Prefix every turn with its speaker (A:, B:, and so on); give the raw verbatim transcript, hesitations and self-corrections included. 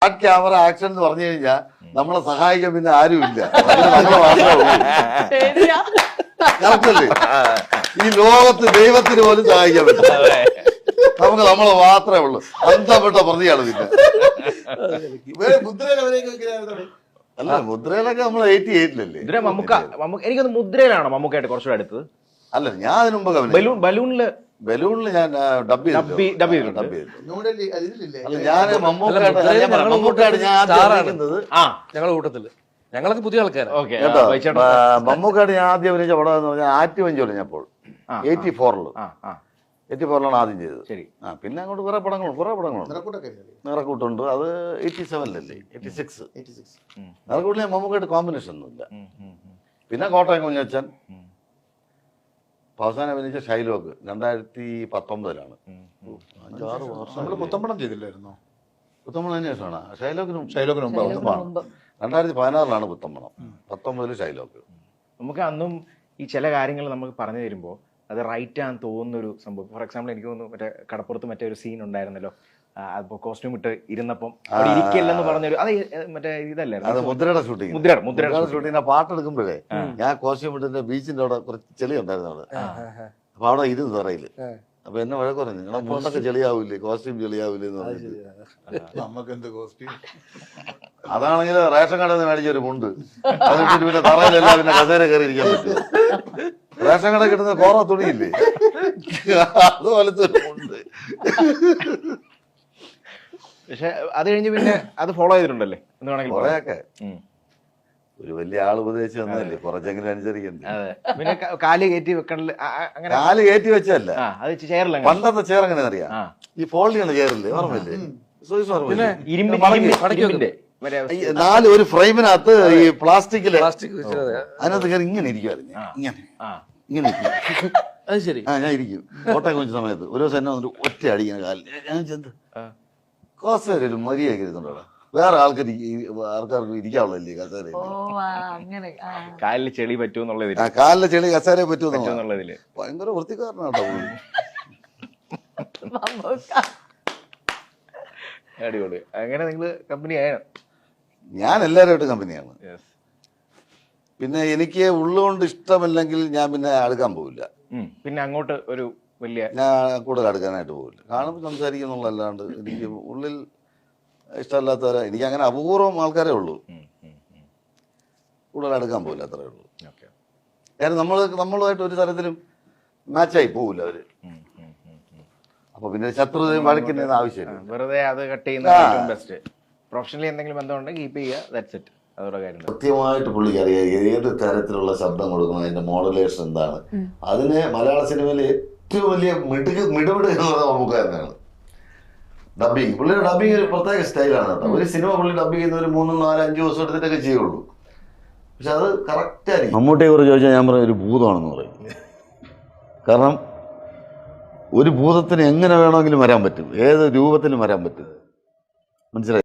A: Camera action എന്ന് പറഞ്ഞു കഴിഞ്ഞാൽ നമ്മളെ സഹായിക്കാൻ പിന്നെ ആരുമില്ല, നമ്മളെ മാത്രമേ ഉള്ളൂ. കറക്റ്റല്ലേ? ഈ ലോകത്ത് ദൈവത്തിന് പോലും സഹായിക്കാൻ പറ്റില്ല, നമുക്ക് നമ്മളെ മാത്രമേ ഉള്ളൂ. അന്തപ്പെട്ട പ്രതിയാണ് പിന്നെ. അല്ല, മുദ്രയിലൊക്കെ നമ്മൾ എയ്റ്റി എയ്റ്റിലല്ലേ
B: മമ്മൂക്ക. എനിക്കൊന്ന് മുദ്രയിലാണോ മമ്മൂക്കായിട്ട് കുറച്ചുകൂടെ അടുത്തത്?
A: അല്ല, ഞാൻ അതിന് മുമ്പ്
B: ബലൂൺ ബലൂണില്
A: ബലൂണിൽ ഞാൻ ഡബ് ചെയ്തു. അല്ല, ഞാൻ മമ്മൂക്കായിട്ട് ഞാൻ
C: ഞങ്ങളുടെ കൂട്ടത്തില് ഞങ്ങളൊക്കെ പുതിയ ആൾക്കാരാണ്
A: കേട്ടോ. മമ്മൂക്കായിട്ട് ഞാൻ ആദ്യം അഭിനയിച്ച പടം എന്ന് പറഞ്ഞാൽ ആറ്റി വഞ്ചി ഒളിഞ്ഞപ്പോൾ എയ്റ്റി ഫോറില് എയ്റ്റി ഫോറിലാണ് ആദ്യം ചെയ്തത്.
B: ശരി.
A: ആ പിന്നെ അങ്ങോട്ട് കുറെ പടങ്ങളുണ്ട്, കുറെ പടങ്ങളുണ്ട്. നിറക്കൂട്ടുണ്ട്, അത് എയ്റ്റി സെവനിലല്ലേ, എയ്റ്റി സിക്സ് നിറക്കൂട്ടിൽ മമ്മൂക്കായിട്ട് കോമ്പിനേഷൻ ഒന്നുമില്ല. പിന്നെ കോട്ടയം കുഞ്ഞച്ചൻ, അവസാനം അഭിനയിച്ച ഷൈലോക്ക് രണ്ടായിരത്തി പത്തൊമ്പതിലാണ്. അഞ്ചാറ് വർഷം
D: പുത്തമ്പണം ചെയ്തില്ലായിരുന്നോ?
A: പുത്തമ്പണം അതിന് ശേഷമാണ് ഷൈലോക്കിനും
D: ഷൈലോക്കിന് മുമ്പ്
A: രണ്ടായിരത്തി പതിനാറിലാണ് പുത്തമ്പണം, പത്തൊമ്പതില് ഷൈലോക്ക്. നമുക്ക്
B: അന്നും ഈ ചില കാര്യങ്ങൾ നമുക്ക് പറഞ്ഞു തരുമ്പോൾ അത് റൈറ്റ് ആണെന്ന് തോന്നുന്നൊരു സംഭവം. ഫോർ എക്സാമ്പിൾ എനിക്ക് തോന്നുന്നു മറ്റേ കടപ്പുറത്ത് മറ്റേ ഒരു സീൻ ഉണ്ടായിരുന്നല്ലോ, അപ്പൊ കോസ്റ്റ്യൂം ഇട്ട് ഇരുന്നപ്പം ഇരിക്കില്ലെന്ന് പറഞ്ഞൊരു, അത് മറ്റേ ഇതല്ലായിരുന്നു,
A: മുദ്രയുടെ ഷൂട്ടിങ്.
B: മുദ്രയുടെ മുദ്രയുടെ
A: ഷൂട്ടിങ്ങിന്റെ പാട്ടെടുക്കുമ്പോഴേ ഞാൻ കോസ്റ്റ്യൂം ഇട്ടിന്റെ ബീച്ചിന്റെ അവിടെ കുറച്ച് ചെളി ഉണ്ടായിരുന്നു അവിടെ. അപ്പൊ അവിടെ ഇരുന്ന് തറയില്. അപ്പൊ എന്നെ വഴക്ക് പറഞ്ഞു, നിങ്ങളെ മുണ്ടൊക്കെ ചെളിയാവൂലേ, കോസ്റ്റ്യൂം ചെളിയാവൂലേ എന്ന് പറഞ്ഞിട്ട്.
D: നമുക്ക് എന്ത് കോസ്റ്റ്യൂം?
A: അതാണെങ്കിൽ റേഷൻ കടയിൽ നിന്ന് മേടിച്ചൊരു മുണ്ട്, അതിട്ട് പിന്നെ തറയിലെല്ലാം പിന്നെ കസേര കയറി ഇരിക്കാൻ പറ്റും. റേഷൻ കട കിട്ടുന്ന കോറ തുണിയില്ലേ, അതുപോലത്തെ ഒരു മുണ്ട്.
B: പക്ഷെ അത് കഴിഞ്ഞ് പിന്നെ അത് ഫോളോ ചെയ്തിട്ടുണ്ടല്ലേ എന്ന് വേണമെങ്കിൽ
A: കൊറേയൊക്കെ. ഒരു വലിയ ആൾ ഉപദേശിച്ച് തന്നല്ലേ, കുറച്ചെങ്കിലും അനുസരിക്കണ്ടേ.
B: പിന്നെ കാല് കയറ്റി വെക്കണില്ല, അങ്ങനെ
A: കാല് കയറ്റി വെച്ചല്ല,
B: അത് ചെയറില്ല.
A: പണ്ടത്തെ ചെയർ എങ്ങനെ അറിയാം, ഈ ഫോൾഡിയാണ് ചെയറില്ലേ, ഓർമ്മയില്ലേ? നാല് ഒരു ഫ്രെയിമിനകത്ത് ഈ പ്ലാസ്റ്റിക്കില് അതിനകത്ത് കയറി ഇങ്ങനെ ഇരിക്കുവായിരുന്നു, ഇങ്ങനെ ഇങ്ങനെ ഇരിക്കും.
C: അത് ശരി.
A: ആ ഞാൻ ഇരിക്കും കോട്ടയം കുഞ്ഞ സമയത്ത്. ഒരു ദിവസം എന്നെ വന്നിട്ട് ഒറ്റ അടിക്കുന്ന കാലിൽ ഞാൻ ചെന്ന് കസേരയിൽ മര്യാദ ഇരുന്നുണ്ടോ, വേറെ ആൾക്കാർ ആൾക്കാർക്ക് ഇരിക്കാവുള്ളല്ലേ കസേര.
B: കാലിൽ ചെളി പറ്റൂന്നുള്ളതിൽ,
A: കാലിലെ ചെളി കസേര പറ്റൂന്നുള്ളതില് ഭയങ്കര വൃത്തിക്കാരനാട്ടോ.
B: അടിപൊളി. അങ്ങനെ നിങ്ങള് കമ്പനി ആയ?
A: ഞാൻ എല്ലാവരുമായിട്ട് കമ്പനിയാണ്. പിന്നെ എനിക്ക് ഉള്ളുകൊണ്ട് ഇഷ്ടമല്ലെങ്കിൽ ഞാൻ പിന്നെ അടുക്കാൻ പോവില്ല.
B: പിന്നെ അങ്ങോട്ട് ഒരു വലിയ
A: ഞാൻ കൂടുതൽ അടുക്കാനായിട്ട് പോവില്ല. കാണുമ്പോൾ സംസാരിക്കുന്നുള്ളല്ലാണ്ട് എനിക്ക് ഉള്ളിൽ ഇഷ്ടമല്ലാത്തവരെ, എനിക്ക് അങ്ങനെ അപൂർവം ആൾക്കാരേ ഉള്ളൂ, കൂടുതൽ അടുക്കാൻ പോവില്ല, അത്രേ ഉള്ളൂ. കാരണം നമ്മൾ നമ്മളുമായിട്ട് ഒരു തരത്തിലും മാച്ചായി പോവില്ല അവര്. അപ്പൊ പിന്നെ ശത്രുതയും വഴക്കുന്നതിന് ആവശ്യമില്ല,
B: വെറുതെ അത് കട്ട് ചെയ്യുന്ന ബെസ്റ്റ്. പ്രൊഫഷണലി എന്തെങ്കിലും ബന്ധമുണ്ടെങ്കിൽ കീപ്പ് ചെയ്യുക, ദാറ്റ്സ് ഇറ്റ്. അതോടെ കാര്യം
A: കൃത്യമായിട്ട് പുള്ളിക്ക് അറിയാം ഏത് തരത്തിലുള്ള ശബ്ദം കൊടുക്കണം, അതിന്റെ മോഡുലേഷൻ എന്താണ്. അതിന് മലയാള സിനിമയിൽ ഏറ്റവും വലിയ മിടുക്ക് മിടുമിട് എന്ന് പറയുന്നത് മമ്മൂക്കാരനാണ്. ഡബിങ്, പുള്ളിയുടെ ഡബിങ് ഒരു പ്രത്യേക സ്റ്റൈലാണ് കേട്ടോ. ഒരു സിനിമ പുള്ളി ഡബ് ചെയ്യുന്ന ഒരു മൂന്നും നാലും അഞ്ചു ദിവസം എടുത്തിട്ടൊക്കെ ചെയ്യുള്ളൂ, പക്ഷെ അത് കറക്റ്റ് ആയിരിക്കും. മമ്മൂട്ടിയെ കുറിച്ച് ചോദിച്ചാൽ ഞാൻ പറയും ഒരു ഭൂതമാണെന്ന് പറയും. കാരണം ഒരു ഭൂതത്തിന് എങ്ങനെ വേണമെങ്കിലും വരാൻ പറ്റും, ഏത് രൂപത്തിലും വരാൻ പറ്റും, മനസ്സിലായി?